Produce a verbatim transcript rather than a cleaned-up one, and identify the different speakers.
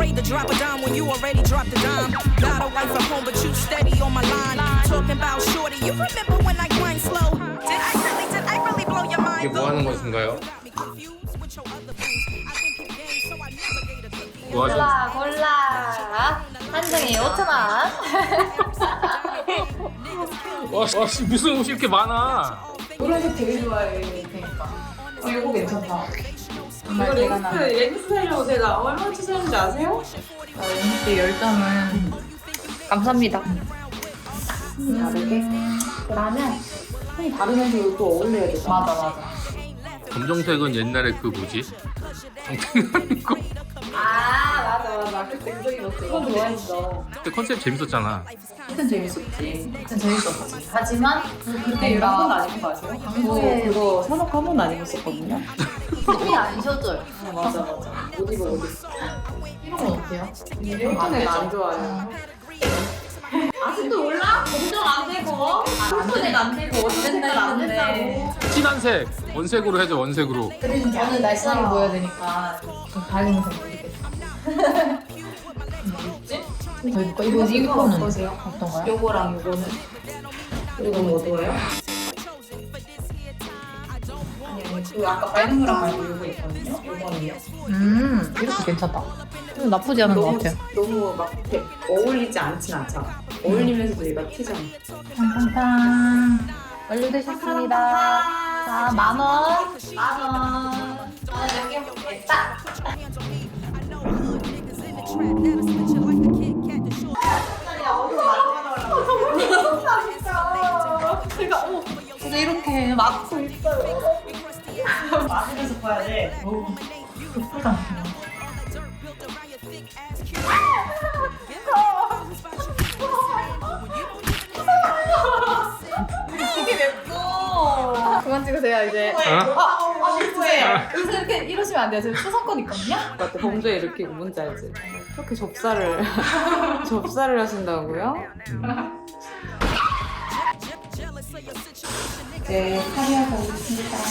Speaker 1: afraid to drop a dime when you already dropped a dime. Got a wife at home, but you steady on my line. Talking about shorty, you remember when I grind slow? Did I really, did I really blow your mind?
Speaker 2: 이게 뭐 하는 것인가요? 뭐 하죠?
Speaker 3: 골라 골라 한정이 오천 원.
Speaker 2: 와, 와 씨, 무슨 옷이 이렇게 많아?
Speaker 4: 노란색 되게 좋아해. 그러니까. 어, 이거 괜찮다. 정말
Speaker 5: 이거
Speaker 4: 대단한.
Speaker 5: 렌스, 렌스 살려고 제가 얼마 투자했는지 아세요?
Speaker 4: 어, 렌스 열점은 감사합니다. 음, 다르게? 그러면 손이 다르면서 이거 또 어울려야 되잖아. 맞아, 맞아.
Speaker 2: 검정색은 옛날에 그 뭐지? 정탱하는 거.
Speaker 5: 아 맞아 맞아 그때 그거 입었어.
Speaker 4: 이거 좋아했어.
Speaker 2: 그때 컨셉 재밌었잖아.
Speaker 4: 그땐 재밌었지. 그땐 재밌었지. 하지만
Speaker 5: 그때 이런 건 아닌 거 아세요?
Speaker 4: 한국에 그거 산업 한 번도 안 입었었거든요.
Speaker 3: 손이 안 쉬어져요.
Speaker 4: 어, 맞아, 맞아. 옷 입어, 옷 입어. 이런 건 어때요?
Speaker 5: 이런 애는 안 좋아요. 아직도 몰라? 검정 안 되고 푸른색 안 되고 어쨌든 안 된다고.
Speaker 2: 진한 색 원색으로 해줘 원색으로.
Speaker 4: 그래서 저는 날씬하게 보여야 되니까 좀 다른 색 모르겠어. 뭐지? 더 입고 이거 이거는 어떠세요? 어떤가요? 요거랑 요거는 이거 너무 어두워요? 아니 아니 그 아까 빨간 거랑 말고 요거 있거든요? 요거는요? 음 이것도 괜찮다. 이거 나쁘지 않은 것 같아요.
Speaker 5: 너무 막 이렇게 어울리지 않진 않잖아. 어울리면서도 얘가 튀잖아.
Speaker 4: 탕탕탕 완료되셨습니다. 자, 만 원.
Speaker 3: 만 원. 만원 몇개 먹겠다.
Speaker 4: 제가 어, 진짜 이렇게 막고 있어요.
Speaker 5: 마시면서 봐야 돼.
Speaker 4: 예쁘다.
Speaker 5: 이게 맵고.
Speaker 4: 그만 찍으세요 이제.
Speaker 2: 어?
Speaker 4: 아, 아, 죄송해요. 여기서 이렇게 이러시면 안 돼요. 지금 초상권 있거든요.
Speaker 5: 맞다 범죄 이렇게 뭔지 알지? 그렇게 접사를 접사를 하신다고요?
Speaker 4: 네, 카리아 가겠습니다.